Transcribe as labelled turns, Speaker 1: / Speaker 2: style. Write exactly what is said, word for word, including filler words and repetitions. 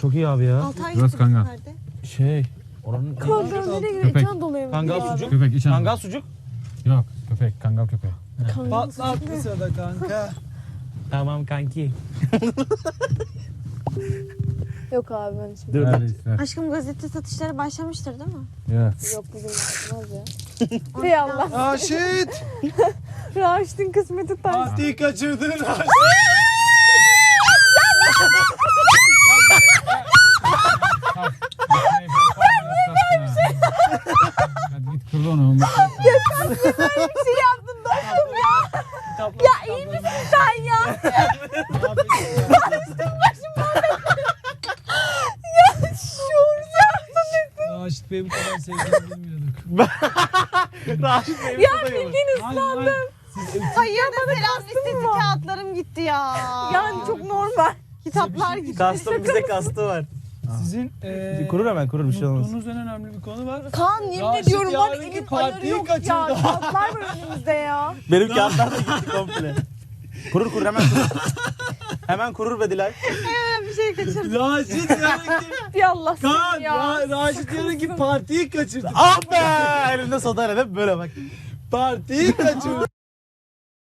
Speaker 1: çok iyi abi ya.
Speaker 2: Altı ay
Speaker 3: Biraz
Speaker 2: gitti
Speaker 3: kangal.
Speaker 2: nerede?
Speaker 1: Şey oranın
Speaker 4: Kangal nereye gidiyor?
Speaker 3: Köpek.
Speaker 4: İçan doluyor.
Speaker 1: Kangal
Speaker 4: abi.
Speaker 1: sucuk.
Speaker 3: Köpek iç
Speaker 1: Kangal sucuk.
Speaker 3: Yok köpek kangal köpeği.
Speaker 4: Kangal
Speaker 5: Patlat
Speaker 4: sucuk ne?
Speaker 5: bir sırada kanka.
Speaker 1: Tamam kanki.
Speaker 4: Yok abi ben şimdi.
Speaker 1: Dur.
Speaker 3: Öyle ister.
Speaker 2: Aşkım gazete satışları başlamıştır değil mi?
Speaker 3: Ya.
Speaker 4: Yok bugün yapmaz ya. Hey Allah.
Speaker 5: Raşit.
Speaker 4: Raşit'in kısmeti taş.
Speaker 5: Fatih'i kaçırdın Raşit.
Speaker 3: Hadi git kırdı onu.
Speaker 4: Bir şey yaptın dostum ya. Ya iyi misin sen ya?
Speaker 5: Raşit Bey bu kadar sevdiğini bilmiyorduk.
Speaker 1: Raşit Bey
Speaker 4: Ya bildiğin ıslandım.
Speaker 2: Hayır da selam listesi kağıtlarım gitti ya.
Speaker 4: Yani çok normal.
Speaker 2: Kitaplar gitti.
Speaker 1: Kastım bize kastı var.
Speaker 5: Sizin eee
Speaker 1: Kurur hemen kurur bir şey olmaz.
Speaker 5: unuttuğunuz en önemli bir konu var.
Speaker 4: Kaan yemin
Speaker 5: Raşit
Speaker 4: ediyorum var
Speaker 5: yarınki
Speaker 4: elin ayarı
Speaker 5: partiyi
Speaker 4: yok ya.
Speaker 5: kaçırdı.
Speaker 4: Kağıtlar var önümüzde ya.
Speaker 1: Benim kağıtlar da gitti komple. Kurur kurur hemen kurur. Hemen kurur be Dilay.
Speaker 2: Bir şey kaçırdım.
Speaker 5: Raşit yarınki
Speaker 4: Bir Allah
Speaker 5: Kaan
Speaker 4: seni ya.
Speaker 5: Ra- Raşit yarınki partiyi kaçırdı.
Speaker 1: Ah be! Elimde soda hele böyle bak.
Speaker 5: Partiyi kaçırdı.